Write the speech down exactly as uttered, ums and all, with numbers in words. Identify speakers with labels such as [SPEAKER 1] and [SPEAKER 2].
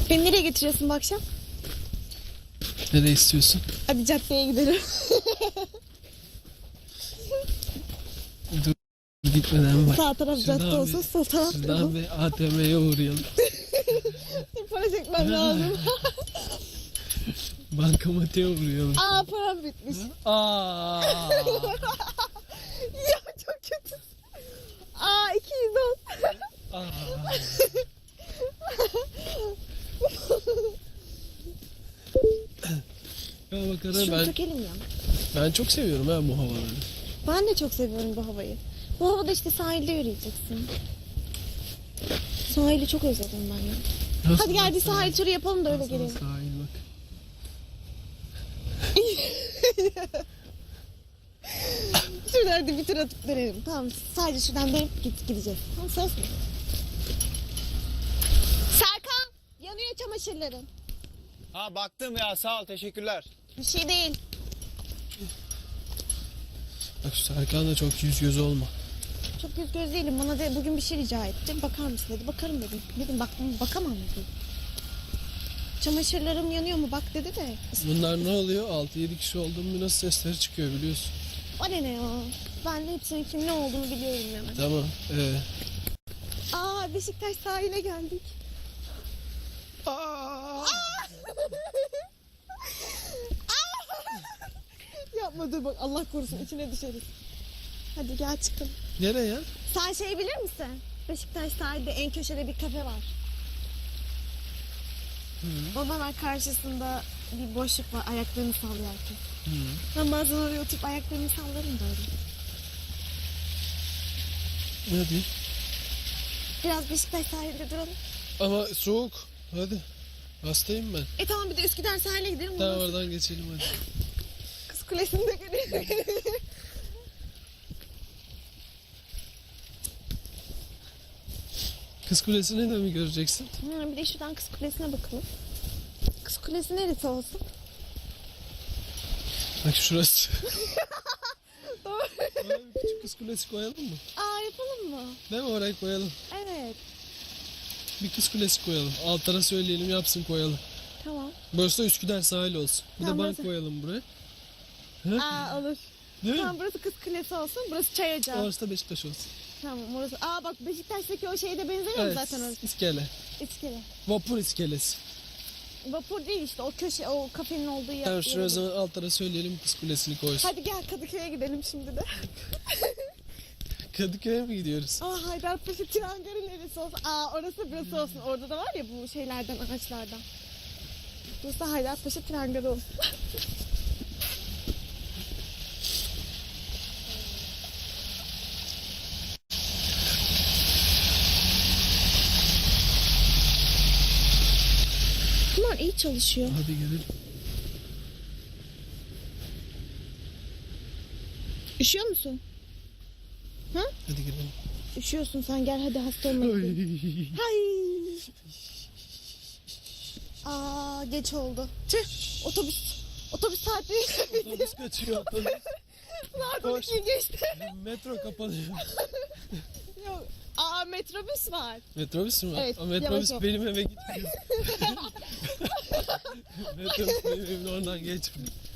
[SPEAKER 1] Beni nereye getiriyorsun bu akşam?
[SPEAKER 2] Nereye istiyorsun?
[SPEAKER 1] Hadi caddeye gidelim.
[SPEAKER 2] Dur gitmeden bak.
[SPEAKER 1] Sağ taraf
[SPEAKER 2] Şuradan
[SPEAKER 1] cadde
[SPEAKER 2] bir-
[SPEAKER 1] olsun, sol taraf.
[SPEAKER 2] Şuradan bir A T M'ye uğrayalım.
[SPEAKER 1] Para çekmem lazım.
[SPEAKER 2] Bankamatiğe uğrayalım.
[SPEAKER 1] Aa, param bitmiş.
[SPEAKER 2] Aa.
[SPEAKER 1] Ya çok kötü. Aa, iki yüz on.
[SPEAKER 2] Aa. Ya bakalım
[SPEAKER 1] Şunu
[SPEAKER 2] ben,
[SPEAKER 1] sökelim ya.
[SPEAKER 2] ben çok seviyorum ha bu havaları.
[SPEAKER 1] Ben de çok seviyorum bu havayı. Bu havada işte sahilde yürüyeceksin. Sahili çok özledim ben ya.
[SPEAKER 2] Nasıl
[SPEAKER 1] Hadi gel bir
[SPEAKER 2] baksana?
[SPEAKER 1] sahil turu yapalım da öyle
[SPEAKER 2] Nasıl
[SPEAKER 1] gelelim.
[SPEAKER 2] Sahil bak.
[SPEAKER 1] Şuradan hadi bir tur atıp dönelim. Tamam, sadece şuradan dönüp git, gideceğiz. Tamam, söz mü? Serkan, yanıyor çamaşırların.
[SPEAKER 3] Ha baktım ya, sağ ol, teşekkürler.
[SPEAKER 1] Bir şey değil.
[SPEAKER 2] Bak şu Serkan da çok yüz göz olma.
[SPEAKER 1] Çok yüz göz değilim. Bana de bugün bir şey rica etti. Bakar mısın dedi. Bakarım dedim. Dedim bak, bakamam dedim. Çamaşırlarım yanıyor mu bak dedi de.
[SPEAKER 2] Bunlar ne oluyor? altı yedi kişi olduğum nasıl sesleri çıkıyor biliyorsun.
[SPEAKER 1] O ne ne ya? Ben de hepsinin kim ne olduğunu biliyorum hemen.
[SPEAKER 2] Tamam. Ee.
[SPEAKER 1] Aa, Beşiktaş sahile geldik.
[SPEAKER 2] Aa!
[SPEAKER 1] Yapma dur bak, Allah korusun içine düşeriz. Hadi gel çıkalım.
[SPEAKER 2] Nereye?
[SPEAKER 1] Sen şey bilir misin? Beşiktaş sahilde en köşede bir kafe var.
[SPEAKER 2] Hı.
[SPEAKER 1] Onun hemen karşısında bir boşluk var, ayaklarını sallıyor herkes.
[SPEAKER 2] Hı.
[SPEAKER 1] Ben bazen oraya oturup ayaklarını sallarım da öyle.
[SPEAKER 2] Hadi.
[SPEAKER 1] Biraz Beşiktaş sahilde duralım.
[SPEAKER 2] Ama soğuk. Hadi. Hastayım ben.
[SPEAKER 1] E tamam, bir de Üsküdar sahile gidelim.
[SPEAKER 2] Tamam
[SPEAKER 1] Ondan
[SPEAKER 2] oradan geçelim hadi.
[SPEAKER 1] Kız Kulesi'ni de görelim.
[SPEAKER 2] Kız Kulesi'ni de mi göreceksin?
[SPEAKER 1] Ha, bir de şuradan Kız Kulesi'ne bakalım. Kız Kulesi neresi olsun?
[SPEAKER 2] Bak şurası.
[SPEAKER 1] Doğru.
[SPEAKER 2] Oraya bir küçük Kız Kulesi koyalım mı?
[SPEAKER 1] Aa, yapalım mı?
[SPEAKER 2] Değil mi? Orayı koyalım.
[SPEAKER 1] Evet.
[SPEAKER 2] Bir Kız Kulesi koyalım. Altlara söyleyelim yapsın koyalım.
[SPEAKER 1] Tamam.
[SPEAKER 2] Burası da Üsküdar sahil olsun. Bir
[SPEAKER 1] Tamam,
[SPEAKER 2] de bank
[SPEAKER 1] burası-
[SPEAKER 2] koyalım buraya. Hı?
[SPEAKER 1] Aa, olur.
[SPEAKER 2] Değil mi?
[SPEAKER 1] Tamam, burası Kız Kulesi olsun. Burası Çay Ocağı.
[SPEAKER 2] Orası da Beşiktaş olsun.
[SPEAKER 1] Tamam, orası. Aa bak, Beşiktaş'taki o şeye de benzemiyor mu
[SPEAKER 2] Evet.
[SPEAKER 1] zaten orası?
[SPEAKER 2] İskele.
[SPEAKER 1] İskele.
[SPEAKER 2] Vapur iskelesi.
[SPEAKER 1] Vapur değil işte, o köşe, o kafenin olduğu yer.
[SPEAKER 2] Tamam şuraya o
[SPEAKER 1] yer-
[SPEAKER 2] zaman altlara söyleyelim Kız Kulesi'ni koysun.
[SPEAKER 1] Hadi gel Kadıköy'e gidelim şimdi de.
[SPEAKER 2] Kadıköy'e mi gidiyoruz?
[SPEAKER 1] Aa, Haydarpaşa tren garı neresi olsun? Aa, orası burası olsun. Orada da var ya bu şeylerden, ağaçlardan. Burası da Haydarpaşa tren garı olsun. Bunlar iyi çalışıyor.
[SPEAKER 2] Hadi gidelim.
[SPEAKER 1] Üşüyor musun? Ha?
[SPEAKER 2] Hadi gidelim.
[SPEAKER 1] Üşüyorsun sen, gel hadi, hasta olma. Hay. Aa, geç oldu. Tüh, otobüs. Otobüs saati.
[SPEAKER 2] Otobüs kaçıyor otobüs.
[SPEAKER 1] Saat on
[SPEAKER 2] Koş.
[SPEAKER 1] ikiyi geçti.
[SPEAKER 2] Metro kapanıyor.
[SPEAKER 1] Yok. Aa, metrobüs var.
[SPEAKER 2] Metrobüs mü var?
[SPEAKER 1] Evet,
[SPEAKER 2] Aa, metrobüs
[SPEAKER 1] yavaş ol.
[SPEAKER 2] benim eve gitmiyor. Metrobüs benim evimin oradan geçmiyor.